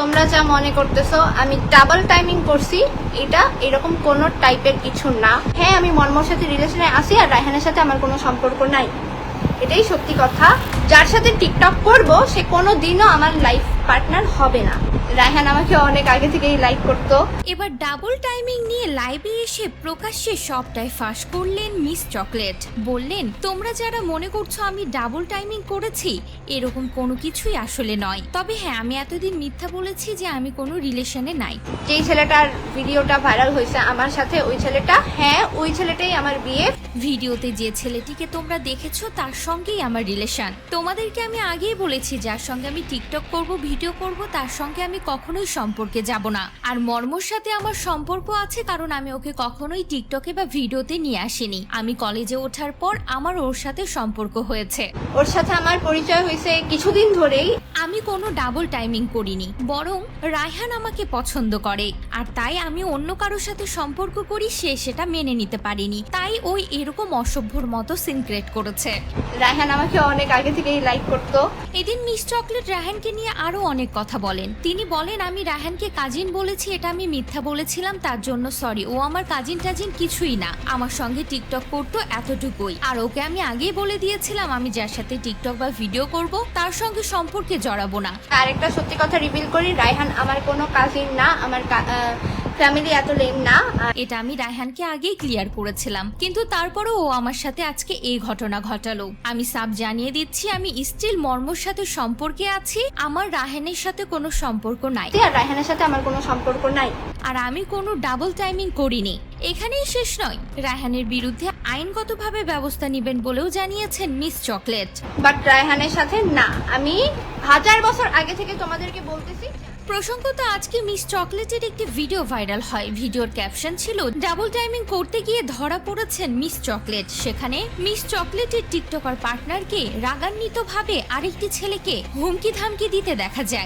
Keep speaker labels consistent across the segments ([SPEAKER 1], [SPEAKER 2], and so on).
[SPEAKER 1] তোমরা যা মনে করতেছো আমি ডাবল টাইমিং করছি, এটা এরকম কোনো টাইপের কিছু না। হ্যাঁ, আমি মর্মর সাথে রিলেশনে আছি আর রায়হানের সাথে আমার কোনো সম্পর্ক নাই, এটাই সত্যি কথা। যার সাথে টিকটক করব সে কোনো দিনও আমার লাইফ পার্টনার হবে না। রায়হান আমাকে অনেক আগে থেকেই লাইক করতো।
[SPEAKER 2] এবার ডাবল টাইমিং নিয়ে লাইভে এসে প্রকাশ্যে সবটাই ফাঁস করলেন মিস চকলেট। বললেন, তোমরা যারা মনে করছো আমি ডাবল টাইমিং করেছি, এরকম কোনো কিছুই আসলে নয়। তবে হ্যাঁ, আমি এতদিন মিথ্যা বলেছি যে আমি কোনো রিলেশনে নাই।
[SPEAKER 1] যেই ছেলেটার ভিডিওটা ভাইরাল হয়েছে আমার সাথে, ওই ছেলেটা, হ্যাঁ ওই ছেলেটাই আমার বিয়ে।
[SPEAKER 2] ভিডিওতে যে ছেলেটিকে তোমরা দেখেছো তার সঙ্গেই আমার রিলেশন। তোমাদেরকে আমি আগেই বলেছি যার সঙ্গে আমি টিকটক করব, ভিডিও করব, তার সঙ্গে আমি কখনোই সম্পর্কে যাব না। আর মর্মর সাথে আমার সম্পর্ক আছে কারণ আমি ওকে কখনোই টিকটকে বা ভিডিওতে নিয়ে আসিনি। আমি কলেজে ওঠার পর আমার ওর সাথে সম্পর্ক হয়েছে।
[SPEAKER 1] ওর সাথে আমার পরিচয় হয়েছে কিছুদিন ধরেই।
[SPEAKER 2] আমি কোনো ডাবল টাইমিং করিনি, বরং রায়হান আমাকে পছন্দ করে, আর তাই আমি অন্য কারোর সাথে সম্পর্ক করি, সে সেটা মেনে নিতে পারিনি, তাই ওই এরকম অসভ্যর মতো সিনক্রেট করেছে।
[SPEAKER 1] রায়হান আমাকে অনেক আগে থেকেই লাইক করতো।
[SPEAKER 2] এদিন মিস চকলেট রায়হানকে নিয়ে আরো অনেক কথা বলেন। তিনি বলেন, আমি রায়হানকে কাজিন বলেছি, এটা আমি মিথ্যা বলেছিলাম, তার জন্য সরি। ও আমার কাজিন টাজিন কিছুই না, আমার সঙ্গে টিকটক করতো এতটুকুই। আর ওকে আমি আগেই বলে দিয়েছিলাম আমি যার সাথে টিকটক বা ভিডিও করব তার সঙ্গে সম্পর্কে জড়াবো না।
[SPEAKER 1] আর একটা সত্যি কথা রিভিল করি, রায়হান আমার কোনো কাজিন না, আমার ফ্যামিলি এত লেম না।
[SPEAKER 2] এটা আমি রায়হানকে আগেই ক্লিয়ার করেছিলাম, কিন্তু তারপরও ও আমার সাথে আজকে এই ঘটনা ঘটালো। আমি সাব জানিয়ে দিচ্ছি, আমি স্টিল মর্মর সাথে সম্পর্কে আছি, আমার রায়হানের সাথে কোনো সম্পর্ক নাই।
[SPEAKER 1] আর রায়হানের সাথে আমার কোনো সম্পর্ক নাই।
[SPEAKER 2] আর আমি কোনো ডাবল টাইমিং করিনি। এখানেই শেষ নয়, রায়হানের বিরুদ্ধে আইনগতভাবে ব্যবস্থা নেবেন বলেও জানিয়েছেন মিস চকলেট।
[SPEAKER 1] বাট রায়হানের সাথে না, আমি 1000 বছর আগে থেকে তোমাদেরকে বলতেছি।
[SPEAKER 2] প্রসঙ্গত আজকে মিস চকলেটের একটি ভিডিও ভাইরাল হয়। ভিডিওর ক্যাপশন ছিল, ডাবল টাইমিং করতে গিয়ে ধরা পড়েছেন মিস চকলেট। সেখানে মিস চকলেটের টিকটকার পার্টনারকে রাগান্বিতভাবে আরেকটি ছেলেকে হুমকি ধামকি দিতে দেখা যায়,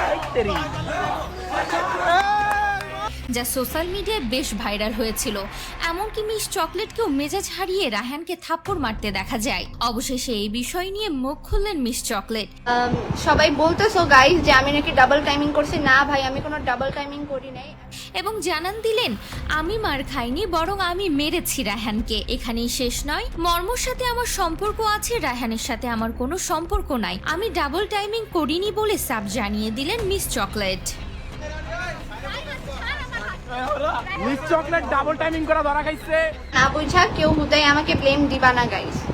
[SPEAKER 2] যা সোশ্যাল মিডিয়ায় বেশ ভাইরাল হয়েছিল। এমনকি মিস চকলেটকেও মেজাজ হারিয়ে রায়হানকে থাপ্পড় মারতে দেখা যায়। অবশেষে এই বিষয় নিয়ে মুখ খুললেন মিস চকলেট।
[SPEAKER 1] সবাই বলতেছো গাইস যে আমি নাকি ডাবল টাইমিং করছি, না ভাই আমি কোনো ডাবল টাইমিং করি নাই।
[SPEAKER 2] এবং জানান দিলেন, আমি মার খাইনি, বরং আমি মেরেছি রায়হানকে। এখানেই শেষ নয়, মর্মর সাথে আমার সম্পর্ক আছে, রায়হানের সাথে আমার কোনো সম্পর্ক নাই। আমি ডাবল টাইমিং করিনি বলে সাব জানিয়ে দিলেন miss chocolate.
[SPEAKER 3] Miss chocolate double timing করা ধরা খাইছে
[SPEAKER 1] না বুঝা কেউ হুদাই আমাকে ব্লেম দিবা না গাইস।